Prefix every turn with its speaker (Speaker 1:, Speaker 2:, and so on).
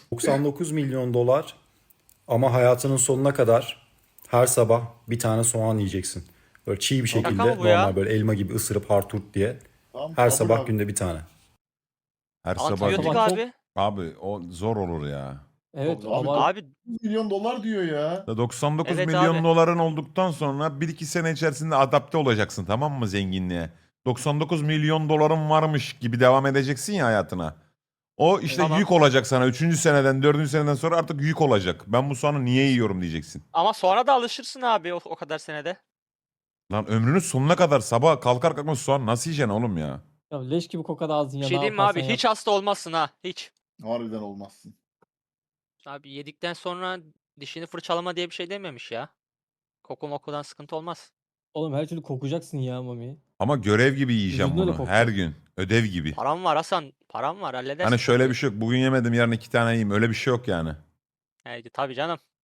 Speaker 1: $99 milyon ama hayatının sonuna kadar her sabah bir tane soğan yiyeceksin. Böyle çiğ bir şekilde
Speaker 2: mı bu ya?
Speaker 1: normal böyle elma gibi ısırıp harturt diye.
Speaker 3: Tamam,
Speaker 1: Her
Speaker 3: kabul
Speaker 1: sabah
Speaker 3: abi.
Speaker 1: günde bir tane.
Speaker 4: Her sabah.
Speaker 2: Antibiyotik
Speaker 5: Sabah
Speaker 2: abi.
Speaker 4: Abi o zor olur ya.
Speaker 5: Evet
Speaker 3: Abi,
Speaker 5: ama
Speaker 2: Abi
Speaker 3: 100 milyon dolar diyor ya.
Speaker 4: 99
Speaker 2: Evet
Speaker 4: milyon
Speaker 2: abi.
Speaker 4: doların olduktan sonra 1-2 sene içerisinde adapte olacaksın, tamam mı, zenginliğe? 99 milyon doların varmış gibi devam edeceksin ya hayatına. O işte
Speaker 2: Tamam.
Speaker 4: yük olacak sana. 3. seneden 4. seneden sonra artık yük olacak. Ben bu soğanı niye yiyorum diyeceksin.
Speaker 2: ama sonra da alışırsın abi o kadar senede.
Speaker 4: Lan ömrünün sonuna kadar sabah kalkar kalkmaz soğan nasıl yiyeceksin oğlum ya?
Speaker 5: ya leş gibi kokar ağzın
Speaker 2: Bir
Speaker 5: ya.
Speaker 2: şey
Speaker 5: ne
Speaker 2: diyeyim mi
Speaker 5: yaparsan
Speaker 2: abi?
Speaker 5: yap.
Speaker 2: Hiç hasta olmazsın ha. Hiç.
Speaker 3: Harbiden olmazsın.
Speaker 2: Abi yedikten sonra dişini fırçalama diye bir şey dememiş ya. Koku mokudan sıkıntı olmaz.
Speaker 5: Oğlum her türlü kokacaksın ya Mami.
Speaker 4: Ama görev gibi yiyeceğim
Speaker 5: Vücuduna da
Speaker 4: bunu.
Speaker 5: kokacak.
Speaker 4: Her gün. Ödev gibi.
Speaker 2: Param var Hasan. Param var halledersin.
Speaker 4: Hani şöyle bir şey yok. Bugün yemedim yarın 2 tane yiyeyim. Öyle bir şey yok yani.
Speaker 2: Tabii canım.